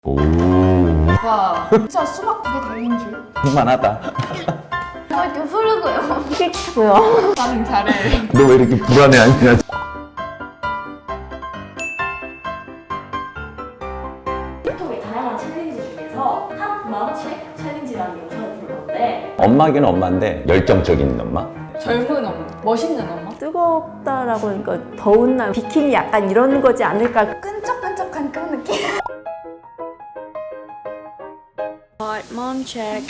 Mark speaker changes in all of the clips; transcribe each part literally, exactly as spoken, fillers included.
Speaker 1: 오.
Speaker 2: 와 진짜 수박 두 개 달린 줄.
Speaker 1: 그만하다.
Speaker 2: 뭐 이렇게 흐르고요.
Speaker 3: 픽고요.
Speaker 2: 반응 잘해.
Speaker 1: 너 왜 이렇게 불안해하냐?
Speaker 3: 틱톡의 다양한 챌린지 중에서 탑 맘책 챌린지라는 영상을 볼 건데
Speaker 1: 엄마긴 엄마인데 열정적인 엄마?
Speaker 2: 젊은 엄마, 멋있는 엄마.
Speaker 3: 뜨겁다라고 하니까 더운 날 비키니 약간 이런 거지 않을까.
Speaker 2: 끈적끈적한 그런 느낌.
Speaker 3: Hot mom check.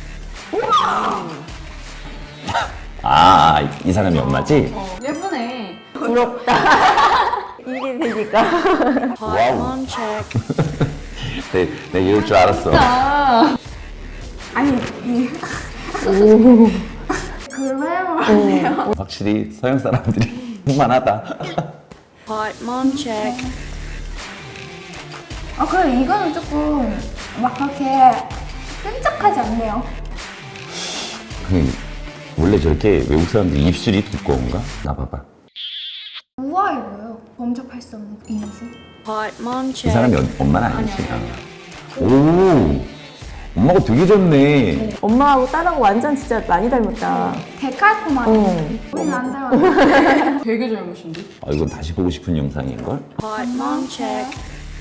Speaker 1: 아, 이 사람이 엄마지?
Speaker 2: 어, 예쁘네.
Speaker 3: 부럽다. 이게 되니까.
Speaker 1: 와우.
Speaker 3: Hot mom check.
Speaker 1: 내, 내가 이럴 줄 알았어.
Speaker 2: 아, 아니 이
Speaker 3: 오.
Speaker 2: 그래요 안 돼요.
Speaker 1: 확실히 서양 사람들이 그만하다.
Speaker 3: Hot mom check.
Speaker 2: 아 그래 이거는 조금 막 그렇게 끈적하지 않네요.
Speaker 1: 그, 원래 저렇게 외국 사람들 입술이 두꺼운가? 나 봐봐.
Speaker 2: 우아해 보여. 범접할 수 없는 이 모습.
Speaker 3: Hot mom
Speaker 1: 이
Speaker 3: check.
Speaker 1: 사람이 어- 엄마는 아니지.
Speaker 2: 아니, 아니,
Speaker 1: 오, 엄마가 되게 좋네.
Speaker 3: 엄마하고 딸하고 완전 진짜 많이 닮았다.
Speaker 2: 데칼코마니.
Speaker 3: 어.
Speaker 2: 우리는 안 닮았네.
Speaker 4: 되게 젊으신데?
Speaker 1: 아, 이건 다시 보고 싶은 영상인걸?
Speaker 3: Hot mom check.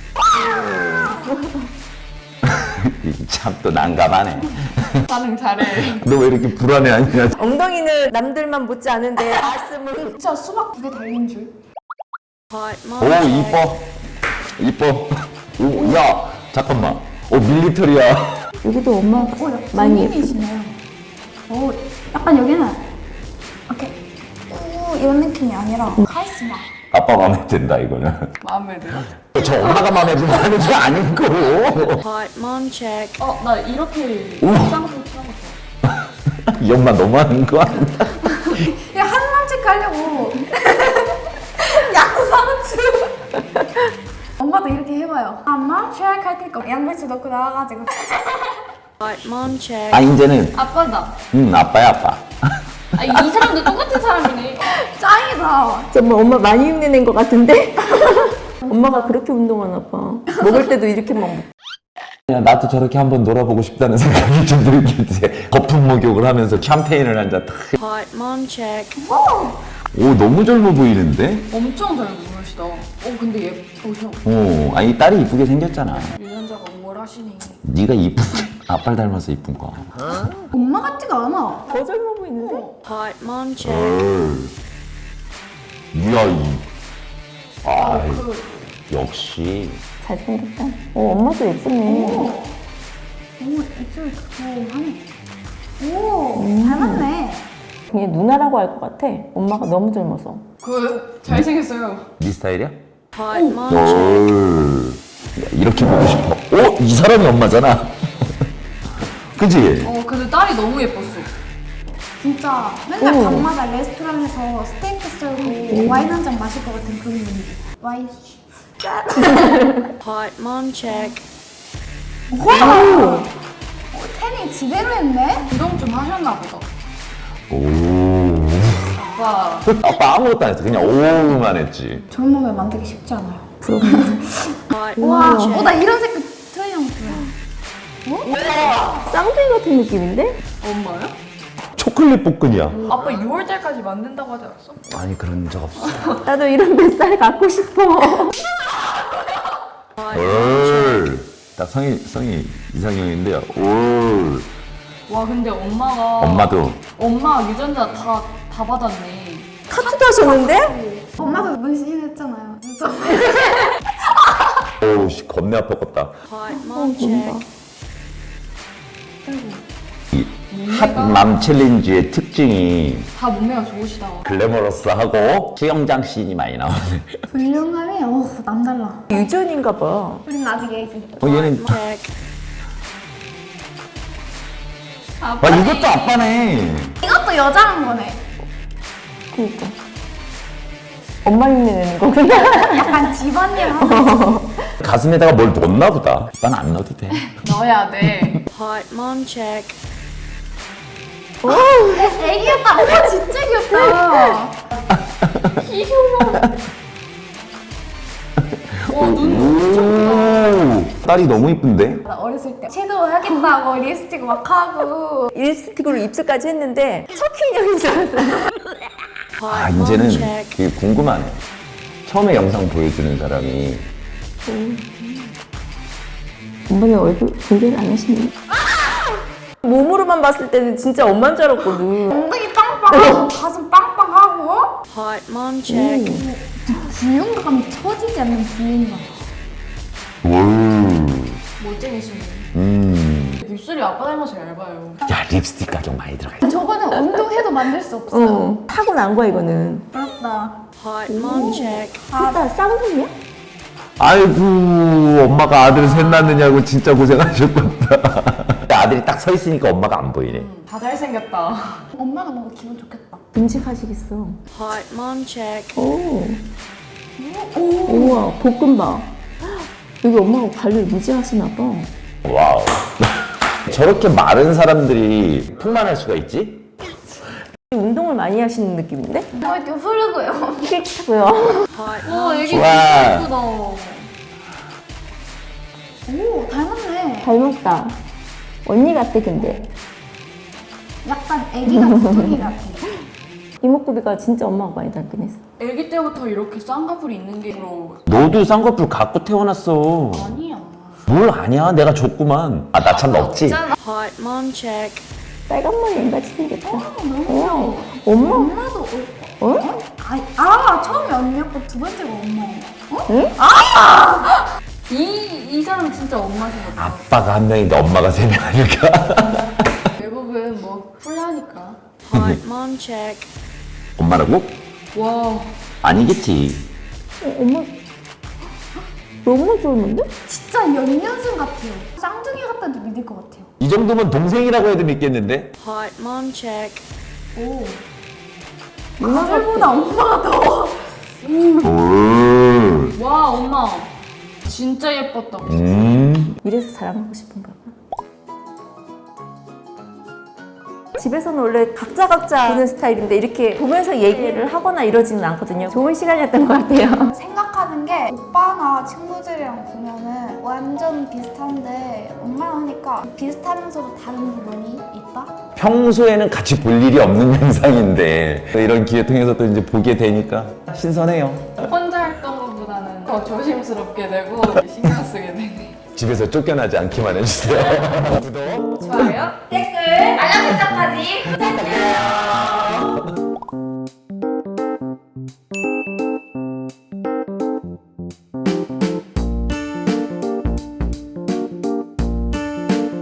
Speaker 1: 참 또 난감하네.
Speaker 2: 반응 잘해.
Speaker 1: 너 왜 이렇게 불안해하냐?
Speaker 3: 엉덩이는 남들만 못지 않은데 가슴은
Speaker 2: 진짜 수박 두 개 달린 줄.
Speaker 3: Hot
Speaker 1: 오,
Speaker 3: mom check.
Speaker 1: 이뻐. 이뻐. 오, 야, 잠깐만. 오, 밀리터리야.
Speaker 3: 여기도 엄마
Speaker 2: 오, 약간
Speaker 3: 많이 예쁘.
Speaker 2: 군인이시네요. 오, 약간 여기는 이렇게 우 이런 느낌이 아니라 카리스마.
Speaker 1: 아빠 마음에 든다, 이거는.
Speaker 4: 마음에 들어?
Speaker 1: 저 엄마가 마음에 든다는 게 아닌 거고.
Speaker 3: Hot mom check.
Speaker 4: 어, 나 이렇게
Speaker 1: 오.
Speaker 4: 쌍수 쳐봤어.
Speaker 1: 이 엄마 너무하는 거 아니야?
Speaker 2: 야, 한남집 가려고. 양상추. 엄마도 이렇게 해봐요. 엄마 트랙할 테니까 양배추 넣고 나와가지고.
Speaker 3: Hot mom check.
Speaker 1: 아, 이제는,
Speaker 4: 아빠다.
Speaker 1: 응, 아빠야, 아빠.
Speaker 4: 아, 이 사람도 똑같은 사람이네.
Speaker 2: 짱이다.
Speaker 3: 정말 엄마 많이 흉내낸 것 같은데? 엄마가 그렇게 운동하나 봐. 먹을 때도 이렇게 막 먹-
Speaker 1: 그냥 나도 저렇게 한번 놀아보고 싶다는 생각이 좀 들긴 해. 거품 목욕을 하면서 샴페인을 한 잔 탁.
Speaker 3: Hot mom check.
Speaker 1: 오, 너무 젊어 보이는데?
Speaker 4: 엄청 잘 부르시다. 어, 근데 예쁘셔.
Speaker 1: 오, 아니, 딸이 이쁘게 생겼잖아.
Speaker 4: 유전자가 우월하시네.
Speaker 1: 네가 이쁜 게 아빠를 닮아서 이쁜 거야.
Speaker 2: 엄마 같지가 않아.
Speaker 3: 더 젊어 보이는데? Hot mom check.
Speaker 1: 이야, 이. 아, 역시.
Speaker 3: 잘생겼다. 어, 엄마도 예쁘네.
Speaker 2: 오, 입술 두툼하네. 오, 닮았네.
Speaker 3: 그냥 누나라고 할 것 같아. 엄마가 너무 젊어서.
Speaker 4: 그, 잘생겼어요.
Speaker 1: 네 스타일이야?
Speaker 3: Hot mom
Speaker 1: 오,
Speaker 3: check.
Speaker 1: 야, 이렇게 보고 싶어. 오, 이 사람이 엄마잖아. 그치?
Speaker 4: 어, 근데 딸이 너무 예뻤어.
Speaker 2: 진짜 맨날
Speaker 3: 오.
Speaker 2: 밤마다 레스토랑에서 스테이크 썰고 와인 한 잔 마실 것 같은 그런 분위기. 와인.
Speaker 3: Hot mom check.
Speaker 2: 와! 어, 태닝 지대로 했네?
Speaker 4: 운동 좀 하셨나 보다.
Speaker 1: 오.
Speaker 4: 아빠.
Speaker 1: 아빠 아무것도 안 했어. 그냥 오만 했지.
Speaker 2: 좋은 몸을 만들기 쉽지 않아요.
Speaker 3: Hot
Speaker 2: 와,
Speaker 3: mom
Speaker 2: 어,
Speaker 3: check.
Speaker 2: 나 이런 색깔 트레이닝 좋아.
Speaker 3: 쌍둥이 같은 느낌인데?
Speaker 4: 엄마요?
Speaker 1: 초콜릿 볶음이야.
Speaker 4: 아빠 유월 달까지 만든다고 하지 않았어?
Speaker 1: 아니, 그런 적 없어.
Speaker 3: 나도 이런 뱃살 갖고 싶어.
Speaker 1: 올. 딱 성이, 성이 이상형인데요. 올.
Speaker 4: 와, 근데 엄마가.
Speaker 1: 엄마도.
Speaker 4: 엄마 유전자 다, 다 받았네.
Speaker 3: 타투도 하셨는데?
Speaker 2: 엄마도 문신했잖아요. 그래서
Speaker 1: 오우, 씨, 겁내 아팠겠다.
Speaker 3: Hot mom check.
Speaker 1: 이 핫맘 챌린지의 특징이
Speaker 4: 다 몸매가 좋으시다.
Speaker 1: 글래머러스하고 수영장 씬이 많이 나오네.
Speaker 2: 불륜감이 어 남달라.
Speaker 3: 유전인가 봐.
Speaker 2: 우린 아직 애기.
Speaker 1: 어, 얘는.
Speaker 3: check.
Speaker 1: 아, 이것도 아빠네.
Speaker 2: 이것도 여자란 거네.
Speaker 3: 그니까. 엄마 흉내 내는 거구나.
Speaker 2: 약간 집안일 하는.
Speaker 1: 가슴에다가 뭘 넣었나 보다. 난 안 넣어도 돼.
Speaker 4: 넣어야 돼.
Speaker 3: Hot mom check.
Speaker 2: 애기였다. 오 진짜 귀엽다.
Speaker 4: 귀여워. 와, 눈
Speaker 1: 오. 딸이 너무 이쁜데?
Speaker 2: 나 어렸을 때 섀도우 하겠다고 립스틱 막 하고
Speaker 5: 립스틱으로 입술까지 했는데 척키 인형인 줄 알았어요.
Speaker 1: 아 이제는 그게 궁금하네. 처음에 영상 보여주는 사람이
Speaker 5: 엄마는 얼굴 공개를 안 하시네. 몸으로만 봤을 때는 진짜 엄마인 줄 알았거든.
Speaker 2: 엉덩이 빵빵하고 가슴 빵빵하고
Speaker 6: Hot mom check.
Speaker 2: 부윤감이 처지지 않는 부윤감.
Speaker 1: 월.
Speaker 4: 멋쟁이시네.
Speaker 1: 음.
Speaker 4: 입술이 아빠 닮아서 얇아요.
Speaker 1: 야 립스틱 가격 많이 들어가 있다.
Speaker 2: 저거는 운동해도 만들 수 없어.
Speaker 5: 어, 타고난 거야 이거는.
Speaker 2: 부럽다.
Speaker 6: Hot mom check.
Speaker 5: 둘다 쌍둥이야?
Speaker 1: 아이고 엄마가 아들 셋 낳느냐고 진짜 고생하셨겠다. 아들이 딱 서 있으니까 엄마가 안 보이네.
Speaker 4: 다 잘생겼다.
Speaker 2: 엄마가 뭔가 기분 좋겠다.
Speaker 5: 음식하시겠어.
Speaker 6: Hot mom check.
Speaker 5: 오. 오. 우와, 볶음밥. 여기 엄마가 관리를 무지 하시나 봐.
Speaker 1: 와우. 저렇게 마른 사람들이 풍만할 수가 있지?
Speaker 5: 운동을 많이 하시는 느낌인데?
Speaker 2: 어, 이렇게 흐르고요.
Speaker 5: 킥고요.
Speaker 6: Hot
Speaker 4: 와 애기
Speaker 1: 좋아.
Speaker 4: 진짜 예쁘다.
Speaker 2: 오, 닮았네.
Speaker 5: 닮았다. 언니 같아 근데.
Speaker 2: 약간 애기가 부둥이 같아.
Speaker 5: 이목구비가 진짜 엄마가 많이 닮긴 했어.
Speaker 4: 애기 때부터 이렇게 쌍꺼풀이 있는 게 부러워.
Speaker 1: 너도 쌍꺼풀 갖고 태어났어.
Speaker 4: 아니야.
Speaker 1: 뭘 아냐? 내가 줬구만. 아 나 참 없지?
Speaker 6: Hot mom check.
Speaker 5: 빨간 머리 앵같이 생겼다.
Speaker 2: 너무
Speaker 5: 어, 엄마?
Speaker 2: 엄마도 어?
Speaker 5: 어?
Speaker 2: 아, 아 처음에 언니였고 두 번째가 엄마예요.
Speaker 5: 응?
Speaker 4: 이, 이 사람 진짜 엄마신 것 같아.
Speaker 1: 아빠가 한 명인데 엄마가 세 명 아닐까?
Speaker 4: 외국은 뭐 풀려하니까.
Speaker 6: Hot mom check.
Speaker 1: 엄마라고?
Speaker 4: 와
Speaker 1: 아니겠지.
Speaker 5: 어, 엄마 너무 좋은데?
Speaker 2: 진짜 연년생 같아요. 쌍둥이 같다도 믿을 것 같아요.
Speaker 1: 이 정도면 동생이라고 해도 믿겠는데?
Speaker 6: Hot mom check.
Speaker 2: 오.
Speaker 5: 엄마 같아.
Speaker 2: 아들보다 엄마가 더.
Speaker 1: 오.
Speaker 4: 와 엄마 진짜 예뻤다.
Speaker 1: 음.
Speaker 5: 이래서 자랑하고 싶은가 봐. 집에서는 원래 각자 각자 보는 스타일인데 이렇게 보면서 얘기를 하거나 이러지는 않거든요. 좋은 시간이었던 것 같아요.
Speaker 2: 생각하는 게 오빠나 친구들이랑 보면은 완전 비슷한데 엄마랑 하니까 비슷하면서도 다른 부분이 있다?
Speaker 1: 평소에는 같이 볼 일이 없는 영상인데 이런 기회 통해서 또 이제 보게 되니까 신선해요.
Speaker 4: 혼자 했던 것보다는 더 조심스럽게 되고 신경 쓰게 되네.
Speaker 1: 집에서 쫓겨나지 않기만 해주세요. 구독.
Speaker 4: 좋아요.
Speaker 2: 댓글 알람 설정까지 부탁드려요.